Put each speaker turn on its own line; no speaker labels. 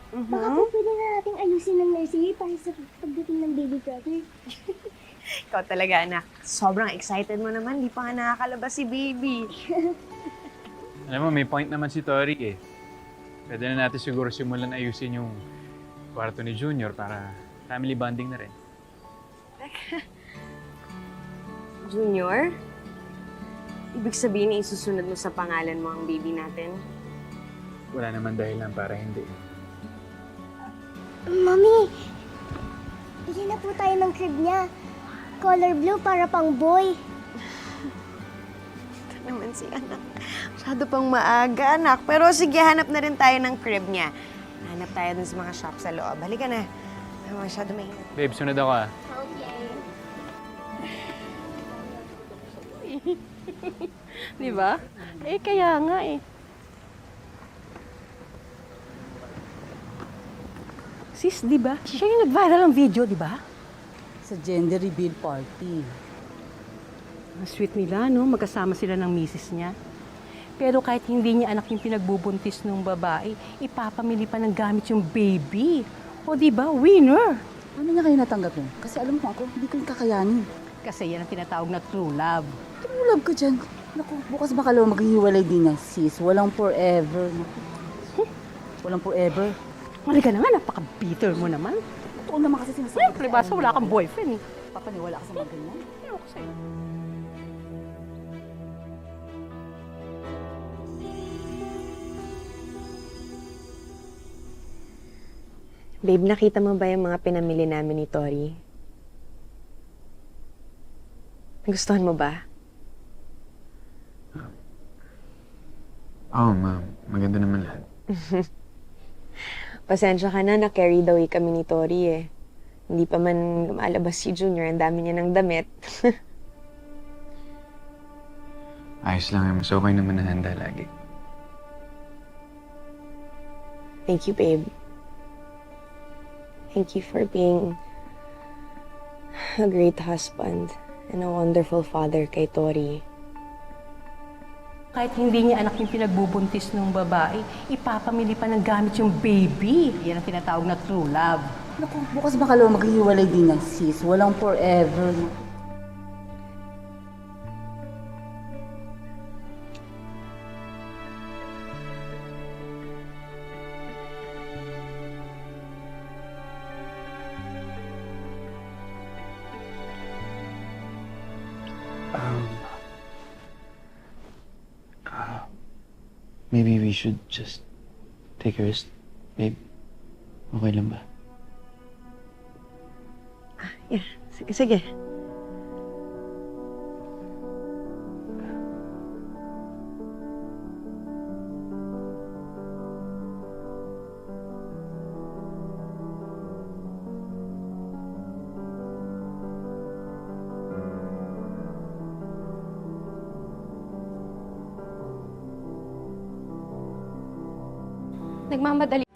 Baka po pwede na nating ayusin ng nursery para sa pagdating ng baby brother.
Ikaw talaga, anak. Sobrang excited mo naman. Di pa nga nakakalabas si baby.
Alam mo, may point naman si Tori eh. Pwede na natin siguro simulan ayusin yung kwarto ni Junior para family bonding na rin.
Junior? Ibig sabihin na isusunod mo sa pangalan mo ang baby natin?
Wala naman dahilan para hindi.
Mami, bigyan na po tayo ng crib niya. Color blue para pang boy.
Ito naman si anak. Masyado pang maaga, anak. Pero sige, hanap na rin tayo ng crib niya. Hanap tayo dun sa mga shop sa loob. Halika na. Masyado mainit.
Babe, sunod ako ah.
Okay.
Di ba? Eh, kaya nga eh. Sis, di ba? Siya yung nag-viral ng video, di ba?
Sa gender reveal party.
Ang sweet nila, no? Magkasama sila ng misis niya. Pero kahit hindi niya anak yung pinagbubuntis ng babae, ipapamili pa ng gamit yung baby. O di ba? Winner!
Ano niya kayo natanggap yun? Kasi alam mo ako, hindi ko yung kakayanin.
Kasi yan ang tinatawag na true love.
Tumulab ka dyan. Naku, bukas baka lang maghihiwalay din yan, sis. Walang forever. Naku. Walang forever.
Mali ka naman, napaka-bitter mo naman.
Totoo naman kasi sinasabi
Siyempre, basta wala kang boyfriend eh.
Papaniwala ka sa mga ganyan.
Ewan ko sa'yo.
Babe, nakita mo ba yung mga pinamili namin ni Tori? Nagustuhan mo ba?
Oo, ma'am. Maganda naman lahat.
Pasensya ka na, carried away kami ni Tori eh. Hindi pa man lumalabas si Junior, ang dami niya ng damit.
Ayos lang, mas okay naman na handa lagi.
Thank you, babe. Thank you for being a great husband and a wonderful father kay Tori.
Kahit hindi niya anak yung pinagbubuntis ng babae, ipapamili pa ng gamit yung baby. Yan ang tinatawag na true love.
Naku, bukas baka lang maghihiwalay din yan, sis. Walang forever. Naku.
Maybe we should just take a rest, babe. Okay lang ba?
Yeah, sige, sige.
Nagmamadali